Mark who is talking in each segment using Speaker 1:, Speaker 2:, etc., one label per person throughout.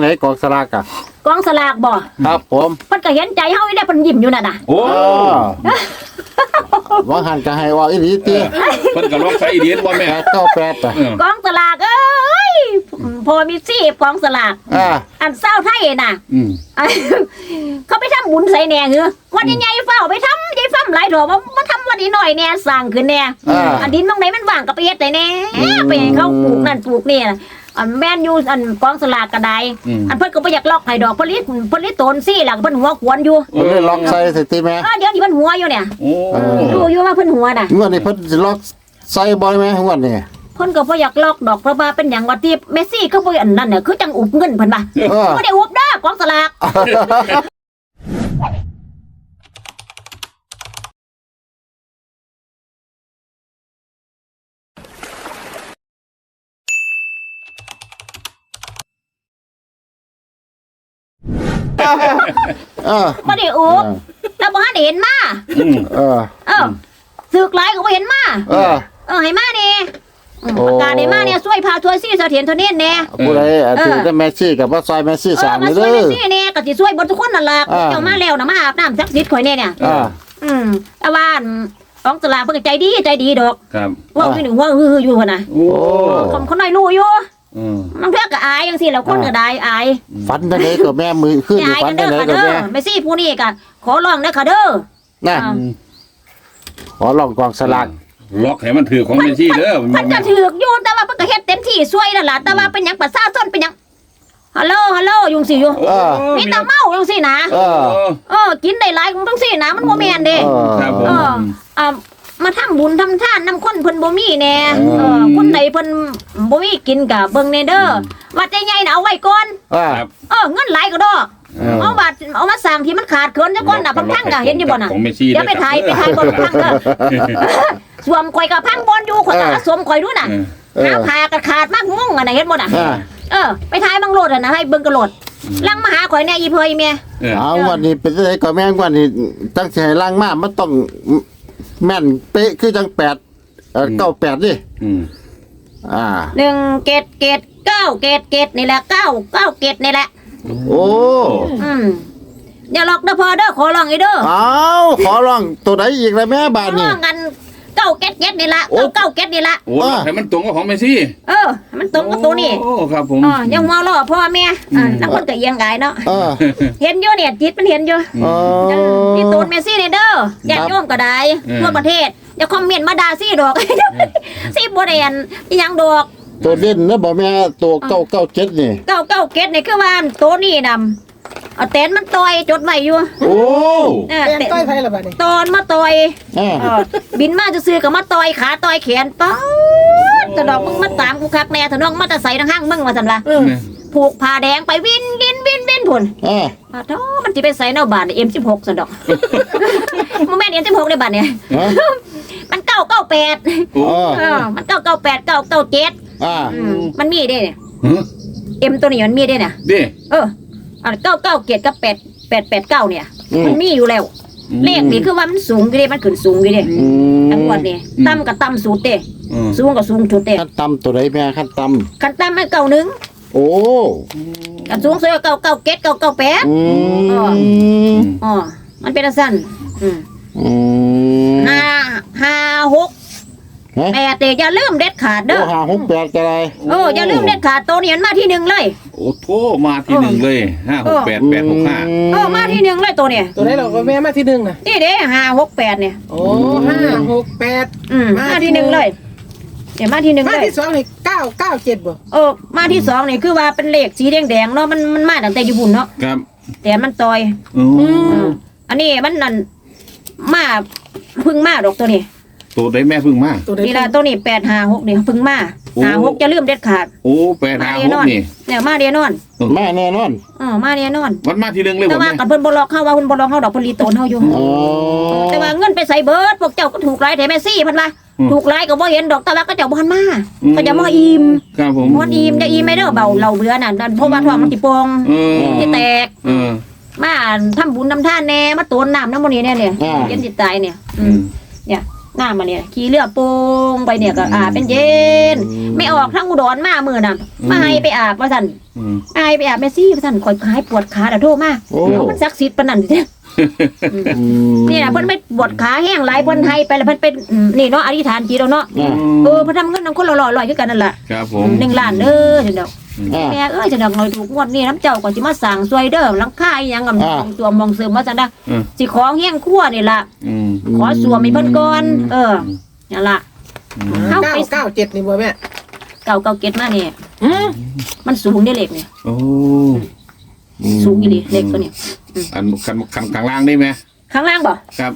Speaker 1: นกองสลากอ่ะ
Speaker 2: กองสลากบ่
Speaker 1: ครับผม
Speaker 2: เพิ่นก็เห็นใจเฮาได้เพิ่นยิ้มอยู่นั่นน่ะ
Speaker 3: โอ้
Speaker 1: ว่าหันก็ให้ว่าอีหลีติ
Speaker 3: เพิ่นก็ลองใช้อีเดียนบ่แม่
Speaker 1: 98อ่ะ
Speaker 2: กองสลากเอ้ยพอมีซี่กองสลากอันเศร้าไทยน่ะเขาไปทำบุญใส่แหน่เหรอวันใหญ่ๆเฝ้าไปทำใหญ่ฟ้ำหลายดอกมาทำวันนี้หน่อยแหน่สร้างขึ้นแหน่อันดินตรงไหนมันว่างก็ไปเฮ็ดได้แหน่ไปให้เขาปลูกนั่นปลูกนี่อันแม่นอยู่อันกองสลากก็ได้อันเพิ่นก็บ่อยากล็อกให้ดอกเพิ่นลิตนซี่ล่ะเพิ่นหัวขวนอยู่
Speaker 1: เพิ่นล็อกใส่สิติแม่
Speaker 2: เดี๋ยวนี้เพิ่นหัวอยู่เนี่ยดูอยู่ว่าเพิ่นหัวน่ะ
Speaker 1: งวดนี้เพิ่นสิล็อกใส่บ่แม่งวดนี้
Speaker 2: เพิ่นก็บ่อยากล็อกดอกเพราะว่าเป็นหยังว่าที่เมสซี่ก็บ่อันนั้นน่ะคือจังอุบเงินเพิ่นว่าบ่ได้อุบเด้อกองสลากบ่ได้อุบแต่บ่ทันได้เห็นมาสึกหลายก็บ่เห็นมาให้มานี่ประกาศได้มาเนี่ยช่วยพาทัวร์ซี่เสถียรทนเนแน่
Speaker 1: ผู้ใดถือแต่แมซี่กับว่าซอยแมซี่สามนี่เด้อ
Speaker 2: มาช่วยแมซี่แน่ก็สิช่วยบ่ทุกคนนั่นล่ะเจ้ามาแล้วน่ะมาอาบน้ำศักดิ์สิทธิ์ข่อยแน่เนี่ยแต่ว่าของสลากเพิ่นใจดีดอก
Speaker 3: ครับ
Speaker 2: ว่าคือหนึ่งว่าฮืออยู่พุ่นน่ะโอ้คนน้อยรู้อยู่มันเพิ่นก็อายจังซี่แล้วคนก็ได้อาย
Speaker 1: ฝันจังได๋ก็แม่มือขึ้นอยู่ฝันจังได๋ก็แม่
Speaker 2: แมซี่ผู้นี้ก็ขอร้องเด้อค่ะเด้อ
Speaker 1: นะขอร้องกองสลาก
Speaker 3: ล็อกให้มันถือของเมซี่เด้อ
Speaker 2: มันจะถือกอยู่แต่ว่าเพิ่นก็เฮ็ดเต็มที่ช่วยนั่นล่ะแต่ว่าเป็นหยังประชาชนเป็นหยังฮัลโหลยุงสิอยู่มีแต่เมาจังซี่นะกินได้หลายจังซี่นะมันบ่แม่นเด้
Speaker 3: ครับ
Speaker 2: มาทำบุญทำทานนำคนเพิ่นบ่มีแน่คนใดเพิ่นบ่มีกินก็เบิ่งแน่เด้อวัดใหญ่ๆน่ะเอาไว้ก่อนเงินหลายก็ดอกเอาบาทเอามาสั่งที่มันขาดเคินซะก่อนน่ะพังก็เห็นอยู่บ่น่ะเดี๋ยวไปถ่ายบ่พังเด้อสวมข่อยก็พังบอนอยู่ข่อยก็สวมข่อยดูน่ะหาผ้าก็ขาดมากงงอ่ะน่ะเห็นบ่น่ะไปถ่ายบังโลดน่ะให้เบิ่งกระโลดลังมาหาข่อยแน่อีเพยแม่
Speaker 1: เอาวันนี้เป็นจังได๋ก็แม่งวันนี้ตั้งสิให้ลังมามันต้องแม่นเป๊ะคือจัง98ดิ
Speaker 2: 1เกต9เกตนี่แหละ9เกตนี่แหละ
Speaker 1: โอ้
Speaker 2: อย่าหลอกเด้อพอเด้อขอร้องอีเด้อ
Speaker 1: ขอร้องตัวไหนอีกล่ะแม่บาดนี้
Speaker 2: งั้น9เกตนี่ละ9เกตนี่ละ
Speaker 3: โอ้ให้มันตรงกับของเมซี่
Speaker 2: มันตรงกับตัวนี้
Speaker 3: โอ้ครับผม
Speaker 2: ยังมอล้อพ่อแม่นักคนก็เอียงกายเนาะเห็นอยู่เนี่ยจิตมันเห็นอยู่นี่ตูนเมซี่นี่เด้อญาติโยมก็ได้ทั่วประเทศอย่าคอมเมนต์มาด่าซี่ดอกซี่บ่ได้อันอีหยังดอก
Speaker 1: ตัวเด่นนะบ่แม่ตัว997นี่
Speaker 2: 9เกตนี่คือว่าตัวนี้นำเอาแตนมันต่อยจดไว้อยู่
Speaker 1: โอ้
Speaker 4: แตนต่อยไผล่ะบัดนี้
Speaker 2: ตอนมาต่อยบินมาซื่อๆก็มาต่อยขาต่อยแขนป๊าดตะดอกมึงมาตามกูคักแน่ถนนมาแต่ใส่ทางห้างมึงว่าซั่นล่ะผูกผ้าแดงไปวินพุ่นโธ่มันสิไปใส่แนวบาท M16 ซั่นดอกบ่แม่น M16 ได้บาทเนี่ยมัน998มัน998 997มันมีเด้เนี่ยM ตัวนี้มันมีเด้เนี่ย997กับ889เนี่ยมันมีอยู่แล้วเลขนี่คือว่ามันสูงอยู่เด้มันขึ้นสูงอยู่เด้ทั้งหมดนี่ต่ำก็ต่ำสุดเด้สูงก็สูงสุดเด้
Speaker 1: ขั้นต่ำตัวใดแม่ขั้นต่
Speaker 2: ำมัน91
Speaker 1: โอ้
Speaker 2: กันสูงสุด997 998มันเป็นสั้น56 8อย่าลืมเด็ดขาดเด้อ
Speaker 1: 568ก็ได้
Speaker 2: อย่าลืมเด็ดขาดตัวนี้มันมาที่1เลย
Speaker 3: โอ้โธ่มาที่1เลย568 865
Speaker 2: มาที่1เลยตัวนี้
Speaker 4: ตัวไหนเราก็แม่มาที่1น่ะ
Speaker 2: นี่เด้568เนี่ย
Speaker 4: โอ้568
Speaker 2: มาที่1เลยเดี๋ยวมาที่1เลย
Speaker 4: มาที่2นี่997บ่
Speaker 2: มาที่2นี่คือว่าเป็นเลขสีแดงๆเนาะมันมาตั้งแต่อยู่บุญเนาะ
Speaker 3: ครับ
Speaker 2: แต่มันต่อยอันนี้มันนั่นมาพึ่งมาดอกตัวนี้
Speaker 3: ตัวได้แม่พึ่งมา
Speaker 2: นี่ละตัวนี้856นี่พึ่งมา56จะลืมเด็ดขาด
Speaker 3: โอ้856นี่
Speaker 2: เนี่ยมาแน่นอน
Speaker 1: มาแน่นอน
Speaker 2: มาแน่นอน
Speaker 3: มันมาที่1เลย
Speaker 2: แต่ว่ากับเพิ่นบ่ล็อกเฮาว่าเพิ่นบ่ล็อกเฮาดอกเพิ่นรีโตนเฮาอยู่แต่ว่าเงินไปใส่เบิดพวกเจ้าก็ถูกหลายแถมแม่ซี่เพิ่นว่าถูกหลายก็บ่เห็นดอกแต่ว่าก็เจ้าบ่ทันมาก็จะมาอิ่ม
Speaker 3: ครับผม
Speaker 2: บ่อิ่มจะอิ่มไม่เด้อเบาเราเบื่อน่ะเพราะว่าท้องมันสิปองสิแตกมาทำบุญทำทานแน่มาโตนน้ำน้ำมื้อนี้เนี่ยเย็นสิตายเนี่ยเนี่ยหน้ามาเนี่ยขี่เรือโป่งไปเนี่ยก็อาบเป็นเย็นไม่ออกทั้งอุดรมามือน่ะมาให้ไปอาบว่าสั่นให้ไปอาบแม่ซี่ว่าสั่นคอยหายปวดขาแต่โทษมากมันศักดิ์สิทธิ์ปานนั้นเด้นี่นะเพิ่นไม่ปวดขาแห้งหลายเพิ่นให้ไปแล้วเพิ่นเป็นนี่เนาะอธิษฐานจิตเนาะเพิ่นทำเงินนำคนละ100คือกันนั่นล่ะ
Speaker 3: ครับผม
Speaker 2: 1 ล้านเด้อจังดอกแม่เอ้ยจังดอกหน่อยถูกงวดนี้น้ำเจ้าก็สิมาสั่งซวยเด้อหลังคาอีหยังกับตัวมองเสริมว่าซั่นนะสิของเฮียงครัวนี่ล่ะขอสวมให้เพิ่นก่อนนั่นล่ะเฮาไป
Speaker 4: 997นี่บ่แม่
Speaker 2: เก่าเก็ตมานี่มันสูงได้เล็กนี่
Speaker 3: โอ้
Speaker 2: สูงอีหลีเล็กตัวนี้
Speaker 3: อันข้างล่างได้ไหม
Speaker 2: ข้างล่างบ่
Speaker 3: ครับ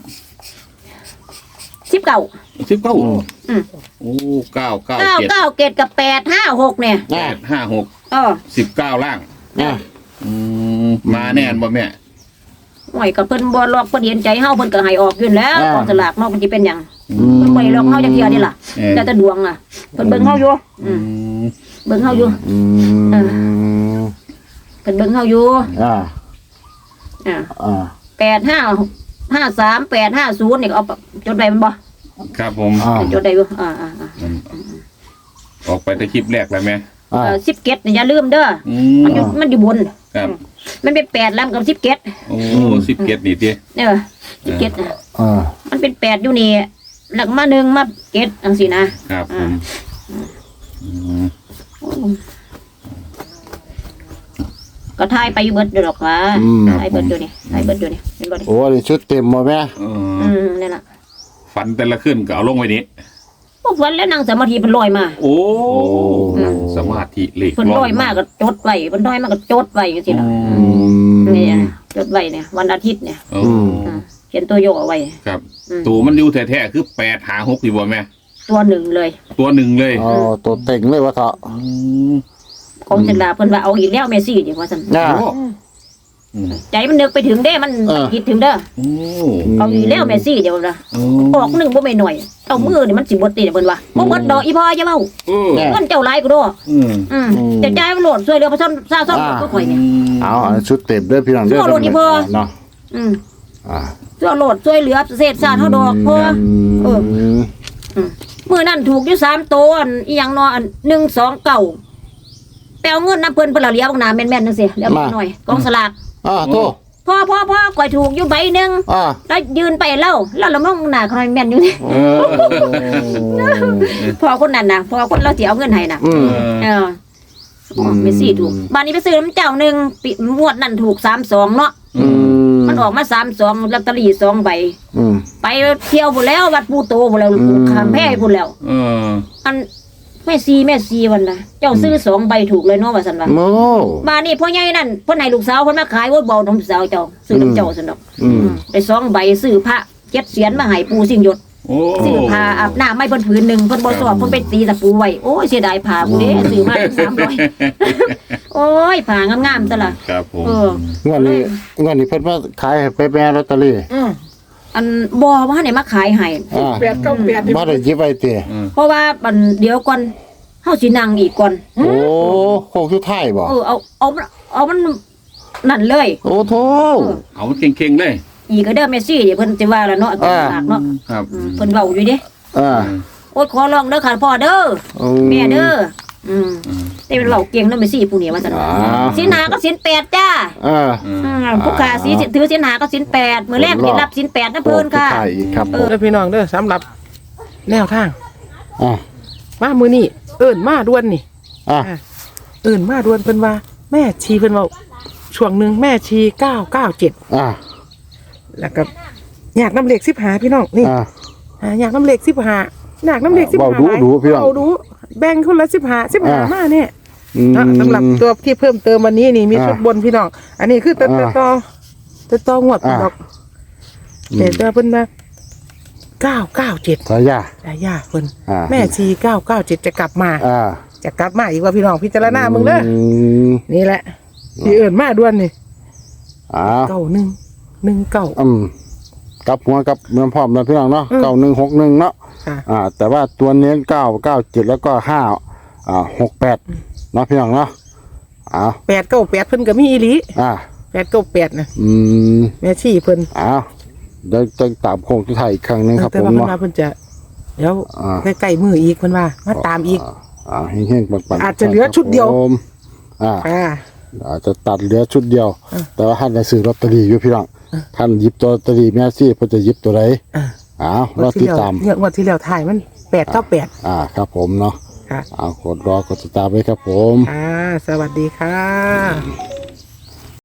Speaker 2: 19
Speaker 3: 19โอ้9 9 7
Speaker 2: 9เกตกับ856เนี่ย
Speaker 3: 8 5 6 19ล่างมาแน่นบ่แม่
Speaker 2: หน่อยกับเพิ่นบ่ลอกเพิ่นเห็นใจเฮาเพิ่นก็ให้ออกอยู่แล้วกองสลากเนาะมันสิเป็นหยังเพิ่นบ่ได้ลอกเฮาจักเที่ยนี่ล่ะแต่แต่ดวงอ่ะเพิ่นเบิ่งเฮาอยู่เบิ่งเฮาอยู่เพิ่นเบิ่งเฮาอยู่8553 850นี่เอาจดไว้มันบ่
Speaker 3: ครับผม
Speaker 2: จดได้อยู่
Speaker 3: ออกไปแต่คลิปแรกแล้วแม่
Speaker 2: 17นี่อย่าลืมเด้อมันอยู่บน
Speaker 3: ครับ
Speaker 2: มันเป็น8แล้วกับ17
Speaker 3: โอ้17นี่ติ
Speaker 2: 17มันเป็น8อยู่นี่แล้วมา1มา7จังซี่นะครับ
Speaker 3: ผม
Speaker 2: ก็ทายไปอยู่เบิดเด้อดอกว่าทายเบิดอยู่นี่ทายเบิดอยู่นี่เป็นบ่ดิ
Speaker 1: โอ้นี่ชุดเต็มบ่แม่
Speaker 2: นั่นล่ะ
Speaker 3: ฝันแต่ละขึ้นก็เอาลงไว้นี้
Speaker 2: พวกฝันแล้วนั่งสมาธิเพิ่นลอยมา
Speaker 3: โอ้สมาธิเลข
Speaker 2: เพิ่นลอยมาก็จดไว้เพิ่นลอยมาก็จดไว้จังซี่ล่ะนี่จดไว้เนี่ยวันอาทิตย์เนี่ยเขียนตัวโยกเอาไว้
Speaker 3: ครับตัวมันอยู่แท้ๆคือ8 5 6สิบ่แม่
Speaker 2: ตัวหนึ่งเลย
Speaker 3: ตัวหนึ่งเลย
Speaker 1: ตัวเต็งเลยว่าเถาะ
Speaker 2: ของเสลาเพิ่นว่าเอาอีกแล้วแม่ซี่นี่ว่าซั่นใจมันนึกไปถึงเด้มันคิดถึงเด้อเอาอีกแล้วแม่ซี่เดี๋ยวนะออกนึงบ่แม่น้อยเอามือนี่มันสิบ่ติเพิ่นว่าบ่หมดดอกอีพ่ออย่าเว้าเงินเจ้าหลายกูโดจะจ่ายมันโหลดช่วยเหลือประชาชนซาซ้อก็ข่อยนี่
Speaker 1: เอาชุดเต็มเด้อพี่น้องเด้อโหลดอีพ่อเนาะ
Speaker 2: ช่วยโหลดช่วยเหลือเศษซาเฮาดอกพ่อมื้อนั้นถูกอยู่3ตัวอีหยังเนาะ129ไปเอาเงินน้ำเพิ่นเพิ่นละเลี้ยบางนาแม่นๆจังซี่เลี้ยบหน่อยกองสลาก
Speaker 1: โต
Speaker 2: พ่อก่อยถูกอยู่ใบนึงแล้วยืนไปเล่าแล้วละมองหน้าคอยแม่นอยู่นี่พ่อคนนั้นน่ะพ่อคนเราสิเอาเงินให้น่ะไม่สิถูกบ้านนี้ไปซื้อน้ำเจ้านึงงวดนั้นถูก32เนาะมันออกมา32ลอตเตอรี่2ใบไปเที่ยวพุ่นแล้ววัดปู่โตพุ่นแล้วข้ามแพพุ่นแล้วอันแม่ซีวันน่ะเจ้าซื้อ2ใบถูกเลยเนาะว่าซั่นว่าบ้านนี้พ่อใหญ่นั่นเพิ่นให้ลูกสาวเพิ่นมาขายว่าเบาน้ำสาวเจ้าซื้อน้ำเจ้าซั่นดอกได้2ใบซื้อพระ7เสียนมาให้ปู่สิ่งหยดซื้อผ้าอาบน้ำไม่เพิ่นผืนนึงเพิ่นบ่สอบเพิ่นไปตีตะปูไว้โอ้ยเสียดายผ้ากูเด้ซื้อมา300โอ้ยผ้างามๆซะล่ะ
Speaker 3: ครับผม
Speaker 1: งวดนี้เพิ่นมาขายไปแม่ลอตเตอรี่
Speaker 2: อันบ่ว่าให้มาขายให้
Speaker 4: 898
Speaker 1: บ่ได้ยิบไว้ติ
Speaker 2: เพราะว่าบัดเดี๋ยวก่อนเฮาสินั่งอีกก่อน
Speaker 1: โอ้โคงสุดท้ายบ่
Speaker 2: เอามันนั่นเลย
Speaker 1: โอ้โธ่
Speaker 3: เอาเก่งๆเลย
Speaker 2: อีกก็เด้อแม่ซี่เดี๋ยวเพิ่นสิว่าแล้วเนาะตากเนาะ
Speaker 3: ครับ
Speaker 2: เพิ่นเว้าอยู่เด้โอ๊ยขอร้องเด้อค่ะพ่อเด้อแม่เด้อแต่เป็นเว้าเก่งเนาะแม่ซี่ผู้นี้ว่าซั่นศีลหาก็ศีล8จ้าผู้ค้าสิถือศีลหาก็ศีล8มื้อแรกสิรับศีล8นะเพิ่นค่ะ
Speaker 1: ครับ
Speaker 4: เด้อพี่น้องเด้อสำหรับแนวทางมามื้อนี้เอิ้นมาด่วนนี่เอิ้นมาด่วนเพิ่นว่าแม่ชีเพิ่นเว้าช่วงนึงแม่ชี997แล้วก็อยากน้ำเหล็ก15พี่น้องนี่อยากน้ำเหล็ก15อยากน้ำเหล็ก15
Speaker 1: ดูพี่น้อง
Speaker 4: ดูแบ่งคนละ15มาเนี่ยสำหรับตัวที่เพิ่มเติมวันนี้นี่มีชุดบนพี่น้องอันนี้คือต่องวดพี่น้องเดี๋ยวเพิ่นมา997
Speaker 1: สายา
Speaker 4: เพิ่นแม่ชี997จะกลับมาอีกว่าพี่น้องพิจารณามึงเด้อนี่แหละที่เอิ้นมาด่วนนี่9119
Speaker 1: กับหัวกับเมืองพร้อมแล้วพี่น้องเนาะ9161เนาะแต่ว่าตัวเน้น997แล้วก็568เนาะพี่น้องเนาะ
Speaker 4: 898เพิ่นก็มีอีหลี898นะแม่ชีเพิ่น
Speaker 1: เดี๋ยวจะตามโค้งสุดท้ายอีกครั้งนึงครับผม
Speaker 4: เนาะเพิ่นจะเดี๋ยวใกล้ๆมืออีกเพิ่นว่ามาตามอีก
Speaker 1: เฮงๆปังๆ
Speaker 4: อาจจะเหลือชุดเดียว
Speaker 1: ครับผมอาจจะตัดเหลือชุดเดียว แต่ว่าท่านได้ซื้อลอตเตอรี่อยู่พี่น้องท่านหยิบตัวลอตเตอรี่แม่ซี่เพิ่นจะหยิบตัวไหนรอติดตาม
Speaker 4: เนี่ยวันที่แล้วถ่ายมัน898
Speaker 1: ครับผมเนาะ
Speaker 4: ค่ะ
Speaker 1: กดรอกดติดตามไว้ครับผม
Speaker 4: สวัสดีค่ะ